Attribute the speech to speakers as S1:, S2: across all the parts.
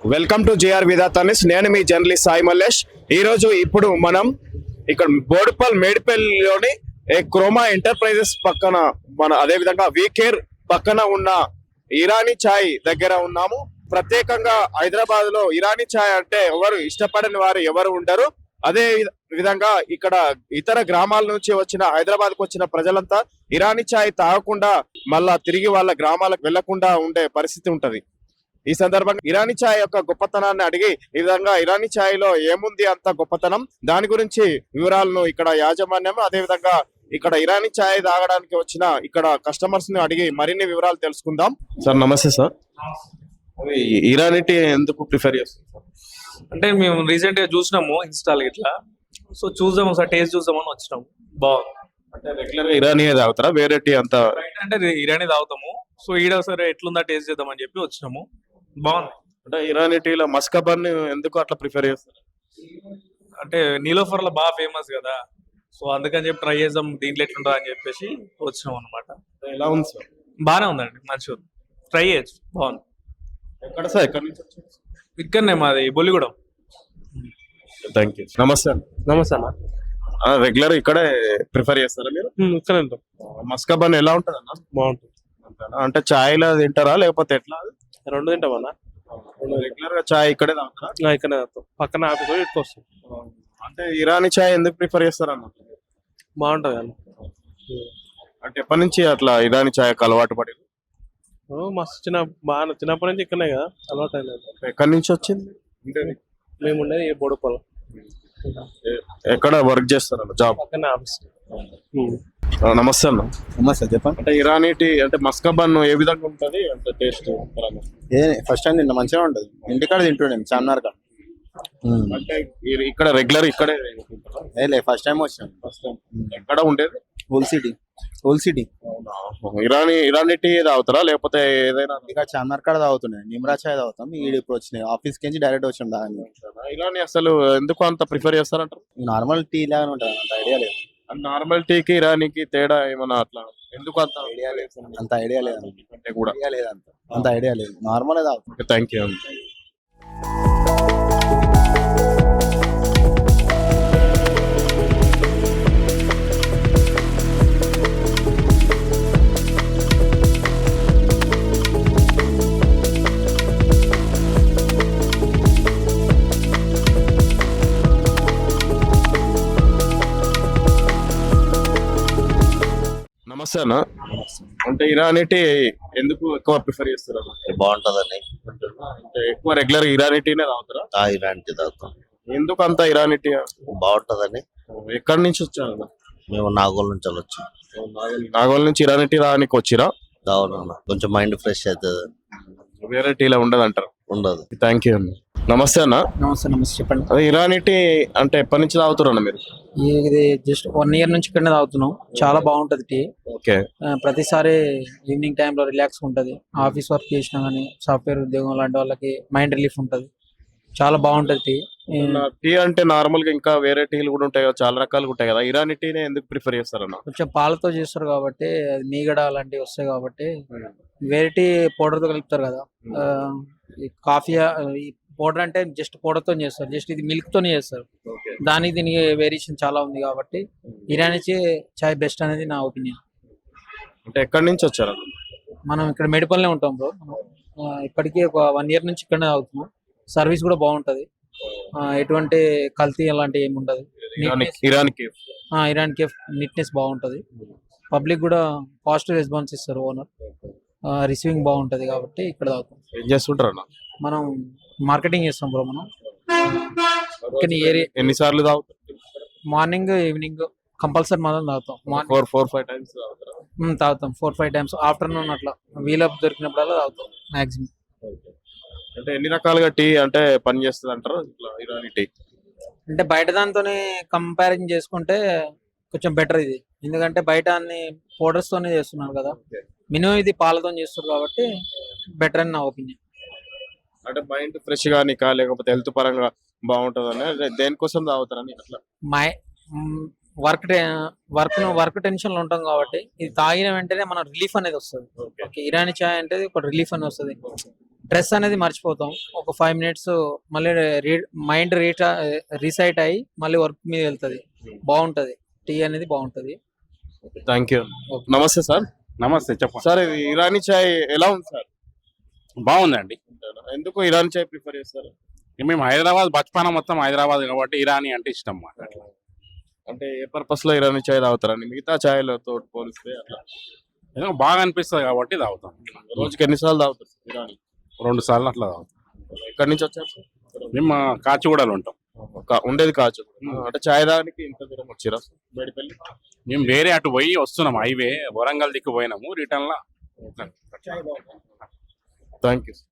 S1: Welcome to JR విధాతానిస్. నేను మీ journalist Sai Mallesh. ఇప్పుడు మనం ఇక్కడ బోడుపల్ మేడిపల్లిలోని క్రోమా ఎంటర్ప్రైజెస్ పక్కన అదే విధంగా వీకేర్ పక్కన ఉన్న ఇరానీ చాయ్ దగ్గర ఉన్నాము. ప్రత్యేకంగా హైదరాబాద్ లో ఇరానీ చాయ్ అంటే ఎవరు ఇష్టపడని వారు ఎవరు ఉండరు. అదే విధంగా ఇక్కడ ఇతర గ్రామాల నుంచి వచ్చిన హైదరాబాద్ కు వచ్చిన ప్రజలంతా ఇరానీ చాయ్ తాగకుండా మళ్ళా తిరిగి వాళ్ళ గ్రామాలకు వెళ్లకుండా ఉండే పరిస్థితి ఉంటది. ఈ సందర్భంగా ఇరానీ చాయ్ యొక్క గొప్పతనాన్ని అడిగి ఈ విధంగా ఇరానీ చాయ్ లో ఏముంది అంత గొప్పతనం, దాని గురించి వివరాలను ఇక్కడ యాజమాన్యం అదే విధంగా ఇక్కడ ఇరానీ చాయ్ తాగడానికి వచ్చిన ఇక్కడ కస్టమర్స్ ని అడిగి మరిన్ని వివరాలు తెలుసుకుందాం. సార్ నమస్తే సార్. ఇరానీ టీ ఎందుకు ప్రిఫర్ చేస్తారు?
S2: అంటే మేము రీసెంట్ గా చూసినాము ఇన్స్టాల్ ఇట్లా, సో చూద్దాము సార్, టేస్ట్ చూద్దామని వచ్చినాము. బాగుంది.
S1: అంటే రెగ్యులర్ గా ఇరానీ తాగుతారా, వేరే టీ అంతా?
S2: అంటే ఇరానీ తాగుతాము, సో ఈడ సరే ఎట్లుందా టేస్ట్ చేద్దామని చెప్పి వచ్చినాము. బాగుంది.
S1: అంటే ఇరానీ టీలో మస్కబన్ ఎందుకు అట్లా ప్రిఫర్ చేస్తారు?
S2: అంటే నీలోఫర్ లో బాగా ఫేమస్ కదా, సో అందుకని చెప్పి ట్రై చేద్దాం దీంట్లో ఎట్లుంటా అని చెప్పేసి వచ్చినాం అనమాట.
S1: ఎలా ఉంది సార్?
S2: బాగానే ఉందండి, మంచిగా ఉంది, ట్రై చేయొచ్చు. బాగుంది.
S1: ఎక్కడ సార్, ఎక్కడి నుంచి వచ్చారు?
S2: ఇక్కడనే మాది బొల్లిగూడెం.
S1: Thank you. నమస్తే.
S2: నమస్తే అన్న.
S1: రెగ్యులర్ ఇక్కడే ప్రిఫర్ చేస్తారా మీరు?
S2: ఇక్కడ ఉంటాం.
S1: మస్కబన్ ఎలా ఉంటది అన్న?
S2: బాగుంటుంది.
S1: అంటే చాయ్ లో తింటారా లేకపోతే ఎట్లా?
S2: రెండు తింటామన్నా.
S1: రెగ్యులర్ గా చాయ్ ఇక్కడే తాగుతారా?
S2: ఇక్కడే తాగుతాం, పక్కన ఆఫీస్ ఇటుకు వస్తాం.
S1: అంటే ఇరానీ చాయ్ ఎందుకు ప్రిఫర్ చేస్తారన్న?
S2: బాగుంటది అన్న.
S1: అంటే ఎప్పటి నుంచి అట్లా ఇరానీ చాయ్ అలవాటు పడి?
S2: మస్తు బాగా చిన్నప్పటి నుంచి ఇక్కడనే కదా అలవాటు అయినది.
S1: ఎక్కడి నుంచి వచ్చింది?
S2: మేము ఉండేది బోడుపల్.
S1: ఎక్కడ వర్క్ చేస్తారన్న? జాబ్
S2: పక్కన ఆఫీస్.
S1: నమస్తే అన్న.
S3: నమస్తే, చెప్పండి.
S1: అంటే ఇరానీ టీ అంటే మస్కబన్ ఏ విధంగా ఉంటది అంటే టేస్ట్?
S3: ఫస్ట్ టైం తిన్నా, మంచిగా ఉంటది. ఇంటికాడ తింటుండే చార్మినార్ కాడ.
S1: అంటే ఇక్కడ రెగ్యులర్ ఇక్కడే
S3: ఫస్ట్ టైం వచ్చాను.
S1: ఎక్కడ ఉండేది?
S3: Whole city.
S1: ఇరానీ టీ తాగుతారా లేకపోతే ఏదైనా?
S3: ఇక చార్మినార్ కాడ తాగుతున్నాయి, నిమ్రా చాయ్ తాగుతాం. ఇప్పుడు వచ్చినాయి ఆఫీస్ కి డైరెక్ట్ వచ్చాం దాని.
S1: ఇరానీ అసలు ఎందుకు అంత ప్రిఫర్ చేస్తారంటారు?
S3: నార్మల్ టీ లాగానే ఉంటుంది, అంత ఐడియా లేదు.
S1: నార్మల్ టీకి ఇరానీకి తేడా ఏమన్నా అట్లా ఎందుకు అంత
S3: ఐడియా లేదు, అంత ఐడియా లేదు
S1: అంటే కూడా
S3: అంత ఐడియా లేదు. నార్మల్ తాగుతాం.
S1: Thank you. నమస్తే అన్న. అంటే ఇరానీ టీ ఎందుకు ఎక్కువ ప్రిఫర్ చేస్తారు?
S4: బాగుంటదండి.
S1: అంటే ఎక్కువ రెగ్యులర్ ఇరానీ టీనే తాగుతారా?
S4: ఇరానీ టీ తాగుతాం.
S1: ఎందుకు అంత ఇరానీ టీ?
S4: బాగుంటదండి.
S1: ఎక్కడి నుంచి వచ్చారు?
S4: మేము నాగోల్ నుంచి వెళ్ళొచ్చు.
S1: నాగోల్ నుంచి ఇరానీ టీ రానికి వచ్చిరా?
S4: అవునన్నా, కొంచెం మైండ్ ఫ్రెష్ అవుతుంది.
S1: వేరే టీలో ఉండదు అంటారు?
S4: ఉండదు.
S1: థ్యాంక్ యూ అన్న. నమస్తే అన్న.
S5: నమస్తే. చెప్పండి.
S1: అదే ఇరానీ టీ అంటే ఎప్పటి నుంచి తాగుతారు అన్న మీరు?
S5: ఇది జస్ట్ 1 year నుంచి ఇక్కడనే తాగుతున్నాం. చాలా బాగుంటది టీ.
S1: ఓకే.
S5: ప్రతిసారి ఈవినింగ్ టైంలో రిలాక్స్ ఉంటది. ఆఫీస్ వర్క్ చేసినా గానీ, సాఫ్ట్వేర్ ఉద్యోగం లాంటి వాళ్ళకి మైండ్ రిలీఫ్ ఉంటది. చాలా బాగుంటది టీ.
S1: టీ అంటే నార్మల్ గా ఇంకా వేరే టీలు కూడా ఉంటాయి కదా, చాలా రకాలు ఉంటాయి కదా, ఇరానీ టీనే ఎందుకు ప్రిఫర్ చేస్తారన్న?
S5: కొంచెం పాలతో చేస్తారు కాబట్టి, అది మీగడ అలాంటివి వస్తాయి కాబట్టి. వేరే టీ పౌడర్ తో కలుపుతారు కదా. కాఫీ పౌడర్ అంటే జస్ట్ పౌడర్ తో చేస్తారు, జస్ట్ ఇది మిల్క్ తోనే చేస్తారు. దానికి దీనికి వేరియేషన్ చాలా ఉంది కాబట్టి ఇరానీ చాయ్ బెస్ట్ అనేది నా ఒపీనియన్.
S1: అంటే ఎక్కడి నుంచి వచ్చారు?
S5: మనం ఇక్కడ మేడిపల్లినే ఉంటాం బ్రో. ఇప్పటికీ ఒక 1 year నుంచి ఇక్కడనే తాగుతున్నాం. సర్వీస్ కూడా బాగుంటది, ఎటువంటి కల్తీ అలాంటి ఏమి ఉండదు. ఇరాన్ కేఫ్ నీట్నెస్ బాగుంటది. పబ్లిక్ కూడా పాజిటివ్ రెస్పాన్స్ ఇస్తారు. ఓనర్ రిసీవింగ్ బాగుంటది కాబట్టి ఇక్కడ తాగుతాం.
S1: ఏం చేస్తుంటారు?
S5: మనం మార్కెటింగ్ చేస్తాం బ్రో. మనం
S1: ఎన్నిసార్లు తాగుతారు?
S5: మార్నింగ్ ఈవినింగ్ కంపల్సరీ మనం తాగుతాం.
S1: 4-5 times
S5: తాగుతాం. 4-5 times. ఆఫ్టర్నూన్ అట్లా వీలప్ దొరికినప్పుడల్లా తాగుతాం మాక్సిమం.
S1: అంటే ఎన్ని రకాలుగా టీ అంటే పని చేస్తుంది అంటారు ఇరానీ టీ?
S5: అంటే బయట దాంతోనే కంపారిజన్ చేసుకుంటే కొంచెం బెటర్ ఇది. ఎందుకంటే బయట అన్ని పౌడర్స్ తోనే చేస్తున్నారు కదా, మినిమం ఇది పాలతో చేస్తారు కాబట్టి బెటర్ అని నా ఒపీనియన్.
S1: అంటే మైండ్ ఫ్రెష్ గా నీకా లేకపోతే హెల్త్ పరంగా బాగుంటదని దేనికోసం తాగుతారని అట్లా?
S5: వర్క్ టెన్షన్ లో ఉంటాం కాబట్టి ఇది తాగిన వెంటనే మన రిలీఫ్ అనేది వస్తుంది. ఇరానీ చాయ్ అంటే ఒక రిలీఫ్ అనేది వస్తుంది. స్ట్రెస్ అనేది మర్చిపోతాం. ఒక 5 మినిట్స్ మళ్ళీ మైండ్ రీసైట్ అయ్యి మళ్ళీ వర్క్ మీద వెళ్తది. బాగుంటది. టీ అనేది బాగుంటది.
S1: Thank you. నమస్తే సార్.
S6: నమస్తే చెప్పండి.
S1: సార్ ఇది ఇరానీ చాయ్ ఎలా ఉంది సార్?
S6: బాగుందండి.
S1: ఎందుకు ఇరానీ చాయ్ ప్రిఫర్ చేస్తారు?
S6: మేము హైదరాబాద్ బచ్పాన మొత్తం హైదరాబాద్ కాబట్టి ఇరానీ అంటే ఇష్టం మాకు. అట్లా
S1: అంటే ఏ పర్పస్ లో ఇరానీ చాయ్ తాగుతారండి మిగతా చాయ్లతో పోలిస్తే? అట్లా
S6: ఏదో బాగా అనిపిస్తుంది కాబట్టి తాగుతాం.
S1: రోజుకి ఎన్నిసార్లు తాగుతారు సార్ ఇరానీ?
S6: 2 సార్లు అట్లా తాగుతాం.
S1: ఎక్కడి నుంచి వచ్చారు సార్?
S6: మేము కాచిగూడలో ఉంటాం.
S1: ఉండేది కాచు. అంటే చాయ్ తాగడానికి ఇంత దూరం వచ్చిరా సార్ మేడిపల్లి?
S6: మేము వేరే అటు పోయి వస్తున్నాం, హైవే వరంగల్ దిక్కు పోయినాము, రిటర్న్ లా.
S1: Thank you.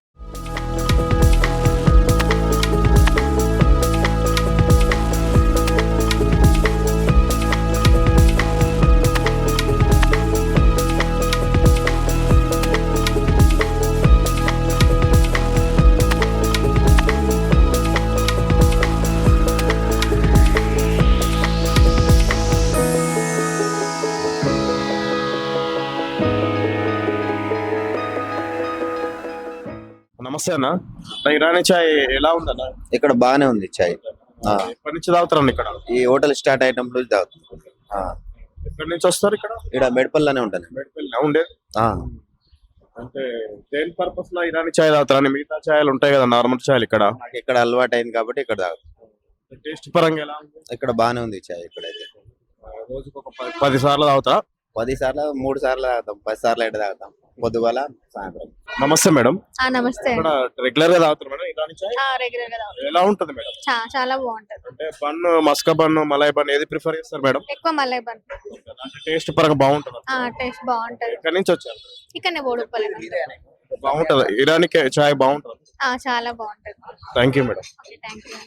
S1: నమస్తే అన్న. ఇరానీ చాయ్ ఎలా ఉందన్న?
S7: ఇక్కడ బాగానే ఉంది చాయ్.
S1: ఎప్పటి నుంచి తాగుతారండి ఇక్కడ?
S7: ఈ హోటల్ స్టార్ట్ అయినప్పుడు తాగుతుంది.
S1: ఎక్కడి నుంచి వస్తారు ఇక్కడ?
S7: ఇక్కడ మెడపల్లిలోనే ఉంటుంది.
S1: మేడిపల్లి ఉండేది. అంటే దేని పర్పస్ లో ఇరానీ చాయ్ తాగుతారని? మిగతా చాయలు ఉంటాయి కదా నార్మల్ చాయలు, ఇక్కడ
S7: నాకు ఇక్కడ అలవాటు అయింది కాబట్టి ఇక్కడ తాగుతుంది.
S1: టేస్ట్ పరంగా ఎలా ఉంది?
S7: ఇక్కడ బాగానే ఉంది చాయ్. ఇక్కడైతే
S1: రోజుకి ఒక 10 సార్లు తాగుతా?
S7: 10 సార్లు 3 సార్లు తాగుతాం, 10 సార్లు ఎక్కడ తాగుతాం, పొద్దుగాల సాయంత్రం.
S1: నమస్తే మేడం.
S8: నమస్తే.
S1: ఇక్కడ రెగ్యులర్ గా తాగుతారు మేడం ఇరానీ చాయ్?
S8: రెగ్యులర్ గా తాగుతాం.
S1: ఎలా ఉంటది మేడం?
S8: చాలా బాగుంటది.
S1: అంటే bun, maska bun, malai bun ఏది ప్రిఫర్ చేస్తారు మేడం?
S8: ఎక్కువ మలై బన్.
S1: అంటే టేస్ట్ పరంగా బాగుంటది.
S8: టేస్ట్ బాగుంటది.
S1: ఎక్కడి నుంచి వచ్చారు?
S8: ఇక్కడనే బోడుపల్లి.
S1: బాగుంటది ఇరానీ చాయ్ బాగుంటది.
S8: చాలా బాగుంటది.
S1: Thank you madam.
S8: Thank you.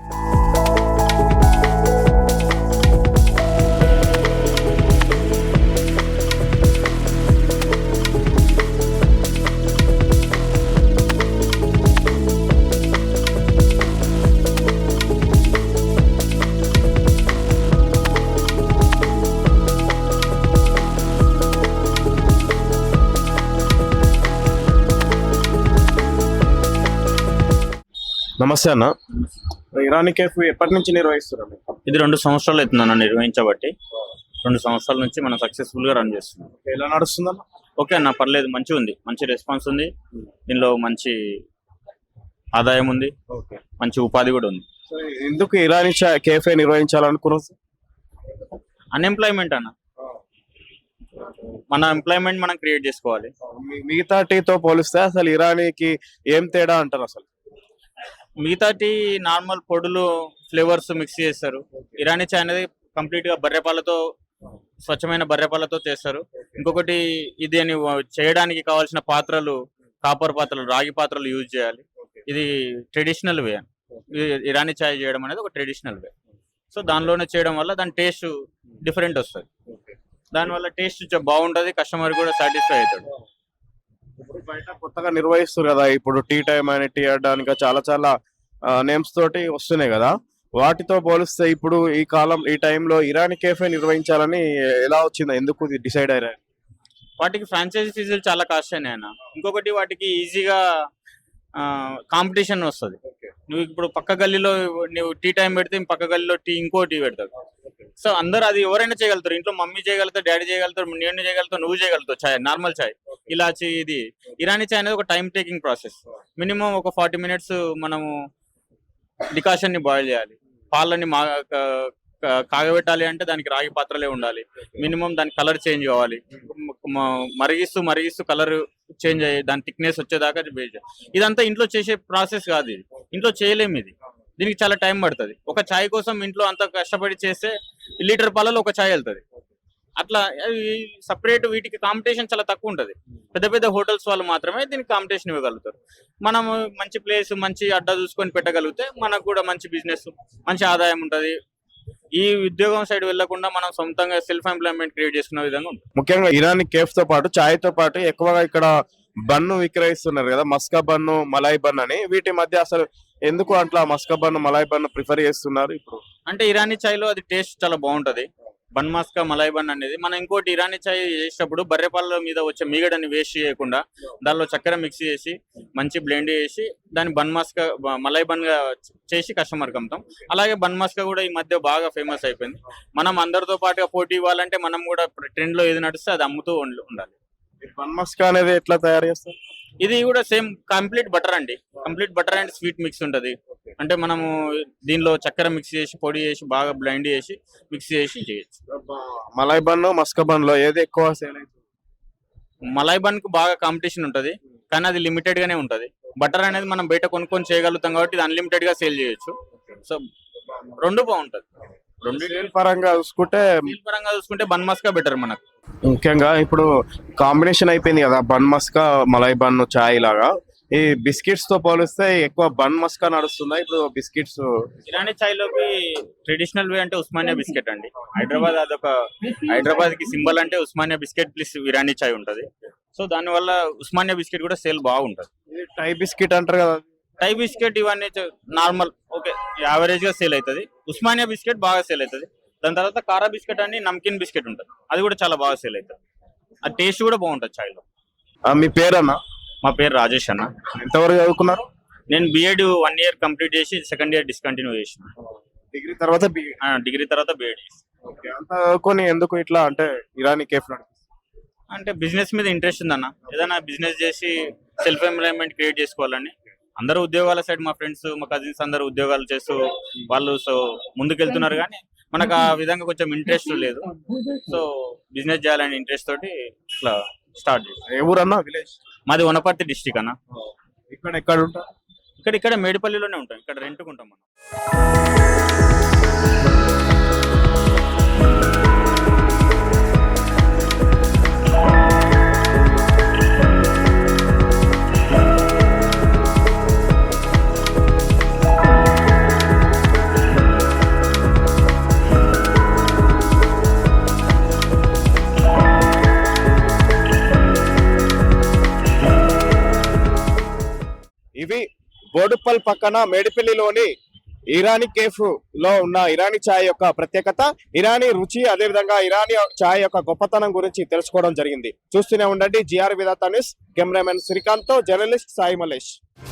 S1: నమస్తే అన్న. ఇరానీ కేఫ్ ఎప్పటి నుంచి నిర్వహిస్తున్నారు?
S9: ఇది 2 సంవత్సరాలు అవుతుందన్న నిర్వహించబట్టి. 2 సంవత్సరాల నుంచి మనం సక్సెస్ఫుల్ గా రన్ చేస్తున్నాం.
S1: ఎలా నడుస్తుందన్న?
S9: ఓకే అన్న, పర్లేదు, మంచిగా ఉంది, మంచి రెస్పాన్స్ ఉంది, దీనిలో మంచి ఆదాయం ఉంది, మంచి ఉపాధి కూడా ఉంది.
S1: సో ఎందుకు ఇరానీ కేఫే నిర్వహించాలనుకున్నారు?
S9: అన్ఎంప్లాయ్మెంట్ అన్న, మన ఎంప్లాయ్మెంట్ మనం క్రియేట్ చేసుకోవాలి.
S1: మిగతా టీతో పోలిస్తే అసలు ఇరానీకి ఏం తేడా అంటారు అసలు?
S9: మిగతా టీ నార్మల్ పొడులు ఫ్లేవర్స్ మిక్స్ చేస్తారు. ఇరానీ చాయ్ అనేది కంప్లీట్ గా బర్రెపాలతో, స్వచ్ఛమైన బర్రెపాలతో చేస్తారు. ఇంకొకటి ఇది అని చేయడానికి కావాల్సిన పాత్రలు కాపర్ పాత్రలు, రాగి పాత్రలు యూజ్ చేయాలి. ఇది ట్రెడిషనల్ వే. ఇరానీ చాయ్ చేయడం అనేది ఒక ట్రెడిషనల్ వే. సో దానిలోనే చేయడం వల్ల దాని టేస్ట్ డిఫరెంట్ వస్తుంది. దానివల్ల టేస్ట్ బాగుంటది, కస్టమర్ కూడా సాటిస్ఫై అవుతాడు.
S1: ఇప్పుడు బయట కొత్తగా నిర్వహిస్తారు కదా, ఇప్పుడు టీ టైమ్ అని, టీ అడ్డానికి చాలా నేమ్స్ తోటి వస్తున్నాయి కదా, వాటితో పోలిస్తే ఇప్పుడు ఈ కాలం ఈ టైంలో ఇరానీ కేఫే నిర్వహించాలని ఎలా వచ్చిందా? ఎందుకు డిసైడ్ అయ్యారు?
S9: వాటికి ఫ్రాంచైజీ ఫీజులు చాలా కాస్ట్ అయినాయి అన్న. ఇంకొకటి వాటికి ఈజీగా కాంపిటీషన్ వస్తుంది. నువ్వు ఇప్పుడు పక్క గల్లీలో నువ్వు టీ టైం పెడితే పక్క గల్లీలో ఇంకో టీ పెడతాడు. సో అందరు అది ఎవరైనా చేయగలుగుతారు. ఇంట్లో మమ్మీ చేయగలుగుతారు, డాడీ చేయగలుగుతారు, నేను చేయగలుగుతావు, నువ్వు చేయగలుగుతావు. చాయ్ నార్మల్ చాయ్, ఇలాచి, ఇది ఇరానీ చాయ్ అనేది ఒక టైం టేకింగ్ ప్రాసెస్. మినిమం ఒక 40 మినిట్స్ మనము డికాషన్ ని బాయిల్ చేయాలి. పాలని కాగబెట్టాలి అంటే దానికి రాగి పాత్రలే ఉండాలి. మినిమం దాని కలర్ చేంజ్ కావాలి. మరిగిస్తూ కలర్ చేంజ్ అయ్యి దాని థిక్నెస్ వచ్చేదాకా వెయిట్ చేయాలి. ఇదంతా ఇంట్లో చేసే ప్రాసెస్ కాదు. ఇది ఇంట్లో చేయలేము. దీనికి చాలా టైం పడుతుంది. ఒక చాయ్ కోసం ఇంట్లో అంత కష్టపడి చేస్తే లీటర్ పాలలో ఒక చాయ్ వెళ్తుంది. అట్లా సపరేట్ వీటికి కాంపిటీషన్ చాలా తక్కువ ఉంటుంది. పెద్ద పెద్ద హోటల్స్ వాళ్ళు మాత్రమే దీనికి కాంపిటీషన్ ఇవ్వగలుగుతారు. మనం మంచి ప్లేస్, మంచి అడ్డా చూసుకొని పెట్టగలిగితే మనకు కూడా మంచి బిజినెస్, మంచి ఆదాయం ఉంటుంది. ఈ ఉద్యోగం సైడ్ వెళ్లకుండా మనం సొంతంగా సెల్ఫ్ ఎంప్లాయ్మెంట్ క్రియేట్ చేసుకునే విధంగా ఉంటుంది.
S1: ముఖ్యంగా ఇరానీ కేఫ్ తో పాటు చాయ్ తో పాటు ఎక్కువగా ఇక్కడ బన్ను విక్రయిస్తున్నారు కదా, మస్కా బన్ను, మలాయ్ బన్ అని. వీటి మధ్య అసలు ఎందుకు అట్లా maska bun, malai bun prefer చేస్తున్నారు ఇప్పుడు?
S9: అంటే ఇరానీ చాయ్ లో అది టేస్ట్ చాలా బాగుంటది. బన్ మస్కా మలాయ్ బన్ అనేది మనం ఇంకోటి ఇరానీ చాయ్ చేసేటప్పుడు బర్రె పాల మీద వచ్చే మీగడని వేస్ట్ చేయకుండా దానిలో చక్కెర మిక్స్ చేసి మంచి బ్లెండ్ చేసి దాన్ని బన్ మస్కా మలాయ్ బన్ గా చేసి కస్టమర్కి అమ్ముతాం. అలాగే బన్ మస్కా కూడా ఈ మధ్య బాగా ఫేమస్ అయిపోయింది. మనం అందరితో పాటుగా పోటీ ఇవ్వాలంటే మనం కూడా ట్రెండ్ లో ఏది నడిస్తే అది అమ్ముతూ ఉండాలి.
S1: బన్ మస్కా అనేది ఎట్లా తయారు చేస్తారు?
S9: ఇది కూడా సేమ్ కంప్లీట్ బటర్ అండి. Complete butter and sweet mix ఉంటది. అంటే మనము దీనిలో చక్కెర మిక్స్ చేసి పొడి చేసి బాగా బ్లెండ్ చేసి మిక్స్ చేసి చేయొచ్చు.
S1: మలాయ్ బన్ మస్కా బన్ లో ఏది ఎక్కువ సేల్ అవుతుంది?
S9: మలాయ్ బన్ కు బాగా కాంపిటీషన్ ఉంటది, కానీ అది లిమిటెడ్ గానే ఉంటది. బటర్ అనేది మనం బయట కొనుక్కొని చేయగలుగుతాం కాబట్టి ఇది అన్లిమిటెడ్ గా సేల్ చేయొచ్చు. సో రెండు బాగుంటది. రెండు
S1: సేల్ పరంగా చూసుకుంటే
S9: డీల్ పరంగా చూసుకుంటే బన్ మస్కా బెటర్ మనకు.
S1: ముఖ్యంగా ఇప్పుడు కాంబినేషన్ అయిపోయింది కదా బన్ మస్కా మలాయ్ బన్ చాయ్ లాగా. ఈ బిస్కెట్స్ తో పోలిస్తే ఎక్కువ బన్ మస్కా నడుస్తుందా ఇప్పుడు బిస్కెట్స్?
S9: ఇరానీ చాయ్ లోకి ట్రెడిషనల్ వే అంటే ఉస్మానియా బిస్కెట్ అండి. హైదరాబాద్ అదొక హైదరాబాద్ కి సింబల్ అంటే ఉస్మానియా బిస్కెట్ ప్లస్ ఇరానీ చాయ్ ఉంటది. సో దాని వల్ల ఉస్మానియా బిస్కెట్ కూడా సేల్ బాగుంటది.
S1: ఇది టై బిస్కెట్ అంటారు కదా.
S9: టై బిస్కెట్ ఇవన్నీ నార్మల్ ఓకే యావరేజ్ గా సేల్ అవుతుంది. ఉస్మానియా బిస్కెట్ బాగా సేల్ అవుతుంది. దాని తర్వాత కారా బిస్కెట్ అని నమ్కిన్ బిస్కెట్ ఉంటుంది, అది కూడా చాలా బాగా సేల్ అవుతుంది. ఆ టేస్ట్ కూడా బాగుంటుంది చాయ్ లో.
S1: మీ పేరన్నా?
S9: మా పేరు రాజేష్ అన్న.
S1: ఎంతవరకు చదువుకున్నారు?
S9: నేను బిఎడ్ 1 year కంప్లీట్ చేసి సెకండ్ ఇయర్ డిస్కంటిన్యూ చేసిన.
S1: డిగ్రీ తర్వాత
S9: డిగ్రీ తర్వాత బిఎడ్ చేసి.
S1: అంత చదువుకొని ఎందుకు ఇట్లా అంటే ఇరానీ కేఫ్
S9: అంటే బిజినెస్ మీద ఇంట్రెస్ట్ ఉందన్న. ఏదైనా బిజినెస్ చేసి సెల్ఫ్ ఎంప్లాయ్మెంట్ క్రియేట్ చేసుకోవాలని. అందరూ ఉద్యోగాల సైడ్ మా ఫ్రెండ్స్ మా కజిన్స్ అందరూ ఉద్యోగాలు చేస్తూ వాళ్ళు సో ముందుకెళ్తున్నారు, కానీ మనకు ఆ విధంగా కొంచెం ఇంట్రెస్ట్ లేదు. సో బిజినెస్ చేయాలని ఇంట్రెస్ట్ తోటి ఇట్లా స్టార్ట్ చేసాం.
S1: ఏ ఊరన్నా? విలేజ్
S9: మాది వనపర్తి డిస్టిక్ అన్న.
S1: ఎక్కడ ఉంటా?
S9: ఇక్కడ మేడిపల్లిలోనే ఉంటాం. ఇక్కడ రెంట్కుంటాం మనం.
S1: ఇవి బోడుప్పల్ పక్కన మేడిపల్లిలోని ఇరానీ కేఫ్ లో ఉన్న ఇరానీ చాయ్ యొక్క ప్రత్యేకత, ఇరానీ రుచి, అదేవిధంగా ఇరానీ చాయ్ యొక్క గొప్పతనం గురించి తెలుసుకోవడం జరిగింది. చూస్తూనే ఉండండి జిఆర్ విధాత న్యూస్. కెమెరామెన్ శ్రీకాంత్ తో జర్నలిస్ట్ సాయి మల్లేష్.